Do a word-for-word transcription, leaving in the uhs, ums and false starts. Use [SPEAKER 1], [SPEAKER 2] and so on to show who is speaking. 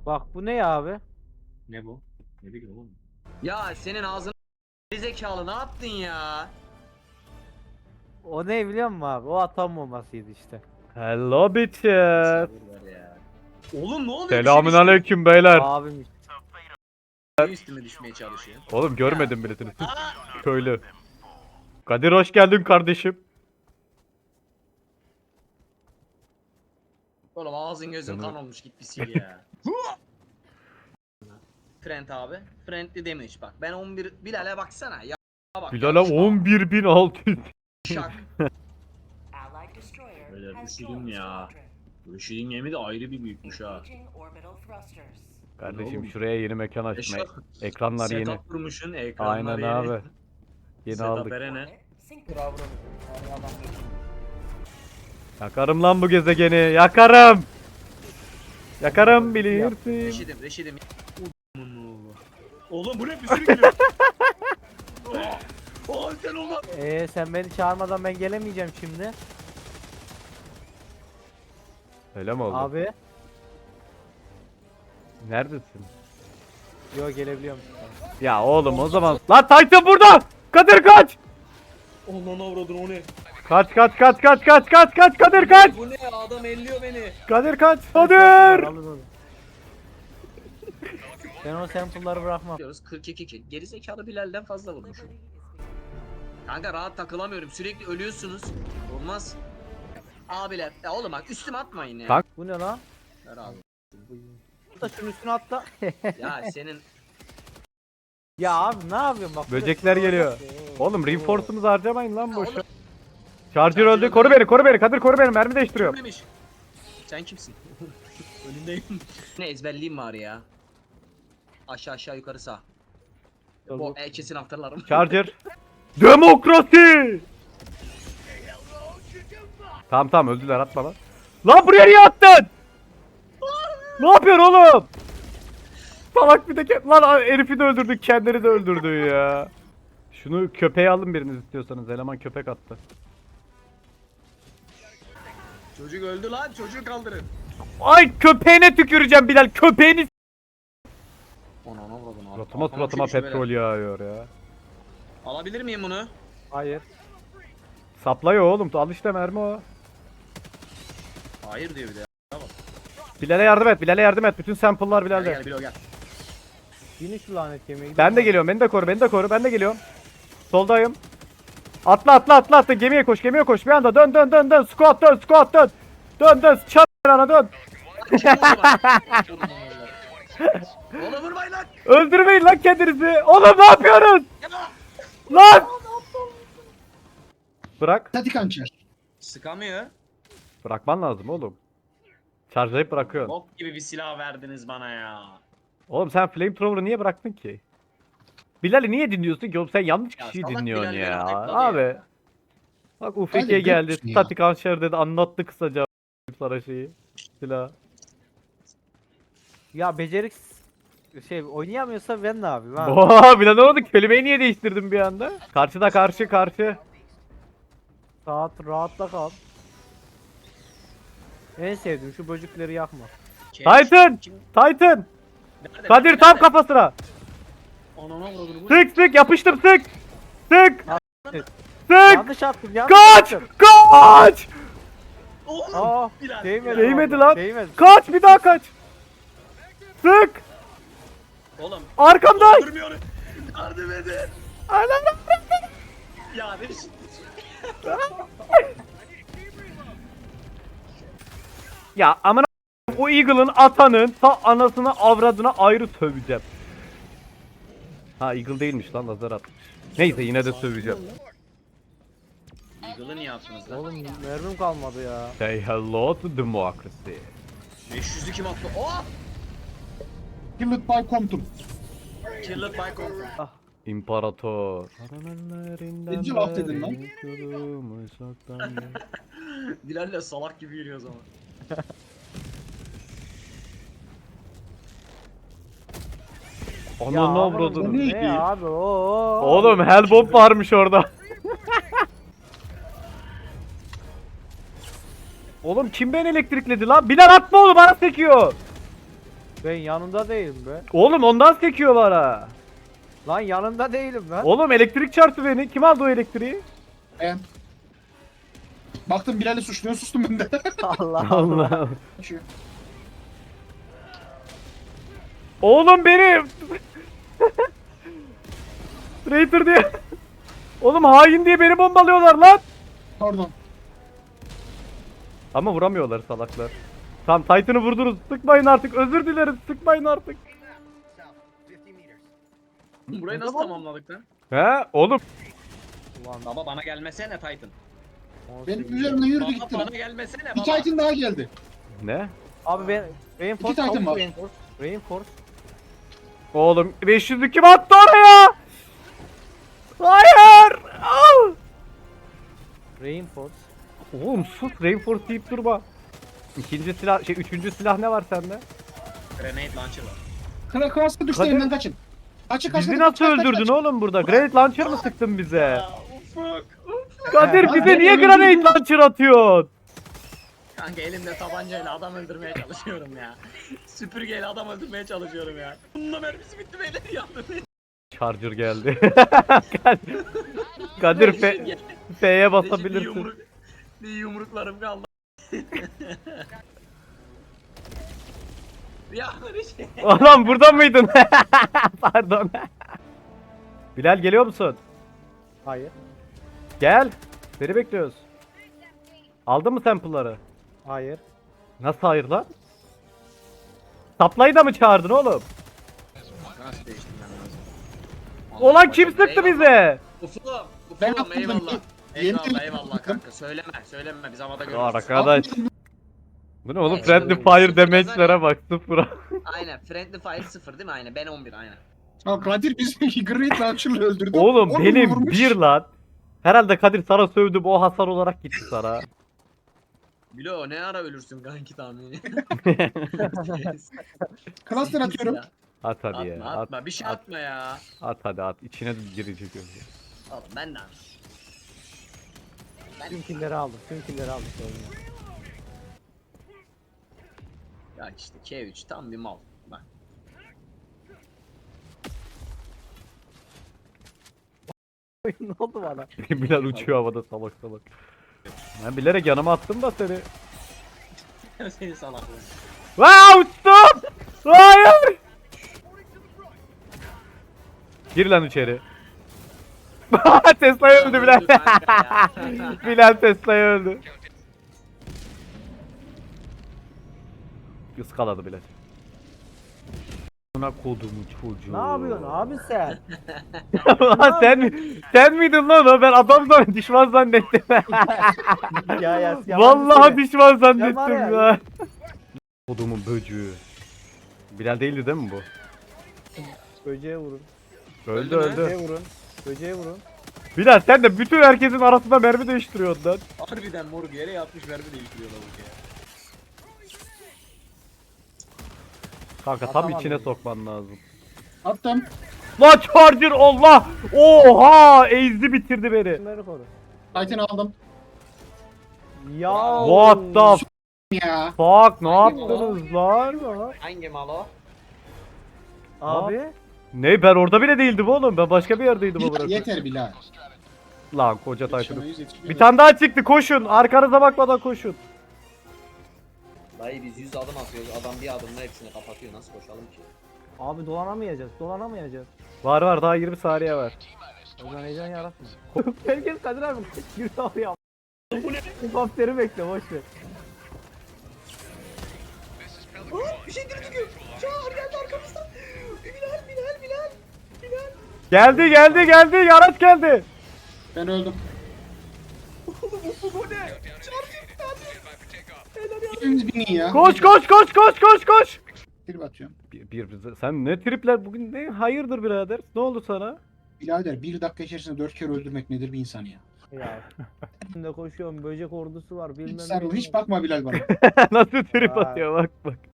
[SPEAKER 1] Bak bu ne ya abi?
[SPEAKER 2] Ne bu? Ne bileyim oğlum.
[SPEAKER 3] Ya senin ağzın zekalı ne yaptın ya?
[SPEAKER 1] O ne biliyor musun abi? O atom bombasıydı işte.
[SPEAKER 4] Hello bitches.
[SPEAKER 3] Sabır ver ya. Oğlum ne oluyor?
[SPEAKER 4] Selamünaleyküm beyler.
[SPEAKER 1] Abim işte.
[SPEAKER 3] Niye üstüme düşmeye çalışıyor?
[SPEAKER 4] Oğlum görmedim birisini. Köylü. Kadir hoş geldin kardeşim.
[SPEAKER 3] Oğlum ağzın gözün
[SPEAKER 4] Canım.
[SPEAKER 3] kan olmuş git bir sil ya. Friend abi. Friendly demiş bak. Ben on bir Bilal'e baksana. Ya bak.
[SPEAKER 4] Bilal'e on bir bin altı yüz.
[SPEAKER 3] Şak.
[SPEAKER 2] Beyler üşüdüm ya. Üşüdüm yemi de ayrı bir büyükmüş ha.
[SPEAKER 4] Kardeşim
[SPEAKER 2] Oğlum.
[SPEAKER 4] şuraya yeni mekan açma.
[SPEAKER 2] Eşref,
[SPEAKER 4] Ekranlar yeni.
[SPEAKER 2] Setup kurmuşsun, ekranlar
[SPEAKER 4] Aynen
[SPEAKER 2] yeni.
[SPEAKER 4] abi. Yeni
[SPEAKER 2] Setup
[SPEAKER 4] aldık.
[SPEAKER 2] verene.
[SPEAKER 4] Yakarım lan bu gezegeni. Yakarım. Yakarım bilirsin.
[SPEAKER 3] Reşidim reşidim.
[SPEAKER 2] Oğlum bu ne bir sürü geliyor. Oh sen olma.
[SPEAKER 1] Ee sen beni çağırmadan ben gelemeyeceğim şimdi.
[SPEAKER 4] Öyle mi oldu?
[SPEAKER 1] Abi.
[SPEAKER 4] Neredesin?
[SPEAKER 1] Yo gelebiliyorum.
[SPEAKER 4] Ya oğlum o zaman. Lan Titan burada. Kadir kaç.
[SPEAKER 2] Allah'ın avradın o ne?
[SPEAKER 4] Kaç kaç kaç kaç kaç kaç kaç Kadir kaç.
[SPEAKER 3] Bu ne adam elliyor beni.
[SPEAKER 4] Kadir kaç. Kadir.
[SPEAKER 1] Alın onu. Ben o sample'ları bırakmam.
[SPEAKER 3] Diyoruz kırk iki kill. Geri zekalı Bilal'den fazla vurmuşum. Kanka rahat takılamıyorum. Sürekli ölüyorsunuz. Olmaz. Abiler. Ya oğlum bak üstüme atmayın ya.
[SPEAKER 4] Kanka.
[SPEAKER 1] Bu ne lan?
[SPEAKER 3] Ver abi.
[SPEAKER 1] Da şunun üstüne atla.
[SPEAKER 3] Ya senin
[SPEAKER 1] Ya abi ne yapıyorsun bak.
[SPEAKER 4] Böcekler geliyor. Oğlum reinforce'umuzu harcamayın lan
[SPEAKER 3] Ya
[SPEAKER 4] boşa.
[SPEAKER 3] oğlum.
[SPEAKER 4] Charger
[SPEAKER 3] Charger
[SPEAKER 4] öldü. Koru
[SPEAKER 3] öldü.
[SPEAKER 4] beni, koru beni. Kadir koru beni. Mermi değiştiriyorum.
[SPEAKER 3] Ölmemiş. Sen kimsin? Önündeyim. Ne ezberliyim var ya. Aşağı aşağı yukarı sağ. Bu e, kesin hatırlarım.
[SPEAKER 4] Charger. Demokrasi. Tamam tamam öldüler atma lan. Lan buraya niye attın? Ne yapıyorsun oğlum? Salak bir de ke- lan herifi de öldürdük, kendini de öldürdü ya. Şunu köpeğe alın biriniz istiyorsanız. Eleman köpek attı.
[SPEAKER 3] Çocuk öldü lan. Çocuğu kaldırın.
[SPEAKER 4] Ay köpeğine tüküreceğim Bilal. Köpeğini
[SPEAKER 3] Ona ona vurdun abi.
[SPEAKER 4] suratıma
[SPEAKER 3] Kafama
[SPEAKER 4] suratıma
[SPEAKER 3] çekmiş
[SPEAKER 4] petrol
[SPEAKER 3] böyle.
[SPEAKER 4] yağıyor ya.
[SPEAKER 3] Alabilir miyim bunu?
[SPEAKER 1] Hayır.
[SPEAKER 4] Saplıyor oğlum. Al işte mermi o.
[SPEAKER 3] Hayır diyor bir de.
[SPEAKER 4] Bilal'e yardım et. Bilal'e yardım et. Bütün sample'lar
[SPEAKER 3] Gel
[SPEAKER 4] Bilal'de.
[SPEAKER 3] gel Bilo gel.
[SPEAKER 1] Yine şu lanet yemeği.
[SPEAKER 4] Ben de geliyorum. Beni de koru. Beni de koru. Ben de geliyorum. Soldayım. Atla atla atla atla. Gemiye koş. Gemiye koş. Bir anda dön dön dön dön. Squat dön. Squat dön. Dön dön. Çat ana dön.
[SPEAKER 3] Oğlum vurmayın lan.
[SPEAKER 4] Öldürmeyin lan kendinizi. Oğlum ne yapıyorsunuz? Lan. Bırak.
[SPEAKER 5] Statik hançer.
[SPEAKER 3] Sıkamıyor.
[SPEAKER 4] Bırakman lazım oğlum. Charge'layıp bırakıyorsun.
[SPEAKER 3] Bok gibi bir silah verdiniz bana ya.
[SPEAKER 4] Oğlum sen flamethrower'ı niye bıraktın ki? Bilal'i niye dinliyorsun ki oğlum? Sen yanlış
[SPEAKER 3] Ya
[SPEAKER 4] kişiyi
[SPEAKER 3] salak
[SPEAKER 4] dinliyorsun
[SPEAKER 3] Bilal
[SPEAKER 4] ya.
[SPEAKER 3] beni ayıpladı
[SPEAKER 4] Abi.
[SPEAKER 3] ya.
[SPEAKER 4] Bak U F K
[SPEAKER 5] Hadi
[SPEAKER 4] geldi.
[SPEAKER 5] götürsün ya.
[SPEAKER 4] Statik hançer dedi. Anlattı kısaca sana şeyi. Silah.
[SPEAKER 1] Ya becerik şey oynayamıyorsa ben ne yapayım abi?
[SPEAKER 4] Oha Bilal ne oldu? Kelimeyi niye değiştirdin bir anda? Karşıda karşı karşı.
[SPEAKER 1] Rahat rahatla kal. En sevdiğim şu böcekleri yakma.
[SPEAKER 3] Keş.
[SPEAKER 4] Titan!
[SPEAKER 3] Kim?
[SPEAKER 4] Titan!
[SPEAKER 3] Nerede?
[SPEAKER 4] Kadir
[SPEAKER 3] Nerede?
[SPEAKER 4] tam kafasına.
[SPEAKER 3] Anana vurdun bu.
[SPEAKER 4] Sık sık yapıştır sık. Sık.
[SPEAKER 1] evet.
[SPEAKER 4] Sık.
[SPEAKER 1] Yanlış attım yanlış
[SPEAKER 4] Kaç!
[SPEAKER 1] attım.
[SPEAKER 4] Kaç!
[SPEAKER 3] Oğlum.
[SPEAKER 1] Aa,
[SPEAKER 3] Bilal,
[SPEAKER 1] değmedi.
[SPEAKER 3] Bilal.
[SPEAKER 4] Değmedi
[SPEAKER 1] vallahi,
[SPEAKER 4] lan.
[SPEAKER 1] Değmedi.
[SPEAKER 4] Kaç bir daha kaç. Sık.
[SPEAKER 3] Oğlum.
[SPEAKER 4] Arkamda.
[SPEAKER 3] Durmuyor. Yardım edin.
[SPEAKER 4] Anam.
[SPEAKER 3] Ya ne biçim.
[SPEAKER 4] Ya amına o Eagle'ın atanın ta anasına avradına ayrı söveceğim. Ha Eagle değilmiş lan lazer atmış. Neyse yine de söveceğim.
[SPEAKER 3] Eagle'ı niye attınız lan?
[SPEAKER 1] Oğlum mermim kalmadı ya.
[SPEAKER 4] Say hello to democracy.
[SPEAKER 3] beş yüzü kim attı? Oh!
[SPEAKER 5] Killed by Compton.
[SPEAKER 3] Killed by Conquer.
[SPEAKER 4] İmparator.
[SPEAKER 5] Neci laf dedin lan?
[SPEAKER 3] Bilal'le salak gibi yürüyor o zaman.
[SPEAKER 1] Ya
[SPEAKER 4] Ananı
[SPEAKER 1] ama
[SPEAKER 4] avradını.
[SPEAKER 1] bu Ne ya abi o.
[SPEAKER 4] Oğlum Hellbomb varmış orada. Oğlum kim beni elektrikledi lan? Bilal atma oğlum bana sekiyor.
[SPEAKER 1] Ben yanında değilim be.
[SPEAKER 4] Oğlum ondan sekiyor bana.
[SPEAKER 1] Lan yanında değilim ben.
[SPEAKER 4] Oğlum elektrik çarptı beni. Kim aldı o elektriği?
[SPEAKER 5] Ben. Baktım Bilal'i suçluyor, sustum ben de.
[SPEAKER 1] Allah Allah.
[SPEAKER 4] Allah. Oğlum benim. Traitor diye. Oğlum hain diye beni bombalıyorlar lan.
[SPEAKER 5] Pardon.
[SPEAKER 4] Ama vuramıyorlar salaklar. Tamam Titan'ı vurdunuz. Sıkmayın artık. Özür dilerim. Sıkmayın artık.
[SPEAKER 3] Burayı nasıl tamamladık lan?
[SPEAKER 4] He oğlum.
[SPEAKER 1] Ulan
[SPEAKER 3] Baba bana gelmesene Titan.
[SPEAKER 5] Benim üzerime yürüdü
[SPEAKER 3] Baba
[SPEAKER 5] gitti
[SPEAKER 3] bana
[SPEAKER 5] lan.
[SPEAKER 3] gelmesene
[SPEAKER 5] Bir
[SPEAKER 3] baba.
[SPEAKER 5] Titan daha geldi.
[SPEAKER 4] Ne?
[SPEAKER 1] Abi ben Reinforce
[SPEAKER 5] İki Titan
[SPEAKER 1] tavuk
[SPEAKER 5] var.
[SPEAKER 1] Reinforce. Reinforce.
[SPEAKER 4] Oğlum beş yüzlü kim attı oraya? Hayır. Al.
[SPEAKER 1] Reinforce.
[SPEAKER 4] Oğlum sus reinforce deyip durma. İkinci silah şey üçüncü silah ne var sende?
[SPEAKER 3] Grenade launcher var.
[SPEAKER 5] Kral Kras'a düştü
[SPEAKER 4] Kadir-
[SPEAKER 5] elimden kaçın. Kaçın kaçın.
[SPEAKER 4] Bizi
[SPEAKER 5] kaç,
[SPEAKER 4] nasıl
[SPEAKER 5] kaç, kaç,
[SPEAKER 4] öldürdün
[SPEAKER 5] kaç.
[SPEAKER 4] oğlum burada? Granite launcher mı sıktın bize?
[SPEAKER 3] Ufuk.
[SPEAKER 4] Kadir
[SPEAKER 5] Ya,
[SPEAKER 4] bize
[SPEAKER 5] ben
[SPEAKER 4] niye
[SPEAKER 5] öldürdüm.
[SPEAKER 4] granate launcher atıyorsun?
[SPEAKER 3] Kanka elimde tabancayla adam öldürmeye çalışıyorum ya. Süpürgeyle adam öldürmeye çalışıyorum ya. Bununla mermisi bitti beyler yardım edin.
[SPEAKER 4] Charger geldi. Kadir- Kadir F-
[SPEAKER 3] Reji-
[SPEAKER 4] F'ye
[SPEAKER 3] Reji bir
[SPEAKER 4] basabilirsin.
[SPEAKER 3] yumruk, bir yumruklarım kaldı. Ya Reji.
[SPEAKER 4] Oğlum burada mıydın? Pardon. Bilal geliyor musun?
[SPEAKER 1] Hayır.
[SPEAKER 4] Gel. Seni bekliyoruz. Aldın mı sample'ları?
[SPEAKER 1] Hayır.
[SPEAKER 4] Nasıl hayır lan? Supply'ı da mı çağırdın oğlum?
[SPEAKER 3] Nasıl değiştim ben lazım?
[SPEAKER 4] Ulan kim sıktı bize?
[SPEAKER 3] Ufuk,
[SPEAKER 5] Ben
[SPEAKER 3] Ufuk'um
[SPEAKER 5] attım,
[SPEAKER 3] eyvallah.
[SPEAKER 5] ben- Yeni
[SPEAKER 3] Eyvallah
[SPEAKER 5] telefon
[SPEAKER 3] eyvallah
[SPEAKER 5] attım.
[SPEAKER 3] kanka söyleme söyleme biz havada görürüz.
[SPEAKER 4] Arkadaş. Bu ne oğlum?
[SPEAKER 3] Evet,
[SPEAKER 4] Friendly
[SPEAKER 3] evet.
[SPEAKER 4] fire damage'lere bak sıfıra.
[SPEAKER 3] Aynen friendly fire sıfır değil mi aynen ben on bir aynen.
[SPEAKER 5] Ya Kadir bizi Great Launcher'la öldürdü.
[SPEAKER 4] Oğlum
[SPEAKER 5] Onu
[SPEAKER 4] benim
[SPEAKER 5] vurmuş.
[SPEAKER 4] bir lan. Herhalde Kadir sana sövdü bu o hasar olarak gitti sana.
[SPEAKER 3] Bilo ne ara ölürsün kanki tahmini.
[SPEAKER 5] Cluster atıyorum.
[SPEAKER 3] Ya,
[SPEAKER 4] At hadi
[SPEAKER 3] Atma
[SPEAKER 4] ya.
[SPEAKER 3] atma
[SPEAKER 4] At,
[SPEAKER 3] bir şey
[SPEAKER 4] at,
[SPEAKER 3] atma ya.
[SPEAKER 4] at hadi at. İçine girecek önce.
[SPEAKER 3] Oğlum ben de
[SPEAKER 1] Tüm killeri aldım. Tüm killeri aldım. sorun yok.
[SPEAKER 3] Ya işte K üç tam bir mal. Bak.
[SPEAKER 1] ne oldu bana?
[SPEAKER 4] Bilal uçuyor havada salak salak. Ben bilerek yanıma attım da seni.
[SPEAKER 3] Seni salaklığın.
[SPEAKER 4] Vaa uçtum! Hayır! Gir lan içeri. Tesla'yı öldü Bilal.
[SPEAKER 3] Öldü kanka ya.
[SPEAKER 4] Bilal Tesla'yı öldü. Iskaladı Bilal. Buna kodumu çocuğu.
[SPEAKER 1] Ne yapıyorsun abi sen?
[SPEAKER 4] Lan sen mi? Sen miydin lan o? Ben adam zannettim, düşman zannettim.
[SPEAKER 1] ya ya.
[SPEAKER 4] Vallahi düşman zannettim
[SPEAKER 1] var ya.
[SPEAKER 4] ya. Kodumun böcüğü. Bilal değildi değil mi bu?
[SPEAKER 1] Böceğe vurun.
[SPEAKER 4] Öldü
[SPEAKER 3] Öldü mü?
[SPEAKER 4] öldü.
[SPEAKER 1] Böceğe vurun. Böceğe vurun.
[SPEAKER 4] Bilal sen de bütün herkesin arasında mermi değiştiriyorsun lan.
[SPEAKER 3] Harbiden moruk yere yatmış mermi değiştiriyor lavuk ya.
[SPEAKER 4] Kanka tam
[SPEAKER 1] Atamadım.
[SPEAKER 4] içine sokman lazım.
[SPEAKER 5] Attım.
[SPEAKER 4] Lan Charger Allah! Oha! Ezdi bitirdi beni.
[SPEAKER 1] Bunları koru.
[SPEAKER 5] Titan aldım.
[SPEAKER 1] Ya.
[SPEAKER 4] What the f-
[SPEAKER 5] Ya.
[SPEAKER 4] fuck? Ne
[SPEAKER 3] Hangi
[SPEAKER 4] yaptınız lan?
[SPEAKER 3] Hangi mal o?
[SPEAKER 1] Abi.
[SPEAKER 4] Ne ben orada bile değildim oğlum. Ben başka bir yerdeydim o
[SPEAKER 5] Bilal,
[SPEAKER 4] bırakın.
[SPEAKER 5] yeter Bilal.
[SPEAKER 4] Lan koca Titan'ı.
[SPEAKER 5] Yetişemeyiz, yetişemeyiz.
[SPEAKER 4] Bir tane daha çıktı koşun. Arkanıza bakmadan koşun.
[SPEAKER 3] Dayı biz yüz adım atıyoruz adam bir adımla hepsini kapatıyor nasıl koşalım ki?
[SPEAKER 1] Abi dolanamayacağız. Dolanamayacağız.
[SPEAKER 4] Var var daha yirmi saniye var.
[SPEAKER 1] O zaman heyecan yaratma. Herkes Kadir abi. Yürü abi ya. Bu ne? Helikopteri bekle boş ver.
[SPEAKER 3] Bir şey dürtüyor. Çağır geldi arkamızdan. Bilal Bilal Bilal. Bilal.
[SPEAKER 4] Geldi geldi geldi. Yarat geldi.
[SPEAKER 5] Ben öldüm.
[SPEAKER 3] Bu ne? Çağır
[SPEAKER 5] Hepimiz binin ya.
[SPEAKER 4] Koş koş koş koş koş koş.
[SPEAKER 5] Bir batıyorum.
[SPEAKER 4] Bir, bir, sen ne tripler bugün ne hayırdır birader? Ne oldu sana?
[SPEAKER 5] Birader bir dakika içerisinde dört kere öldürmek nedir bir insan ya?
[SPEAKER 1] Ya. Şimdi koşuyorum. Böcek ordusu var. Bilmem
[SPEAKER 5] Hiç sarıl,
[SPEAKER 1] ne.
[SPEAKER 5] hiç bakma Bilal bana.
[SPEAKER 4] Nasıl trip
[SPEAKER 1] Vay.
[SPEAKER 4] atıyor bak bak.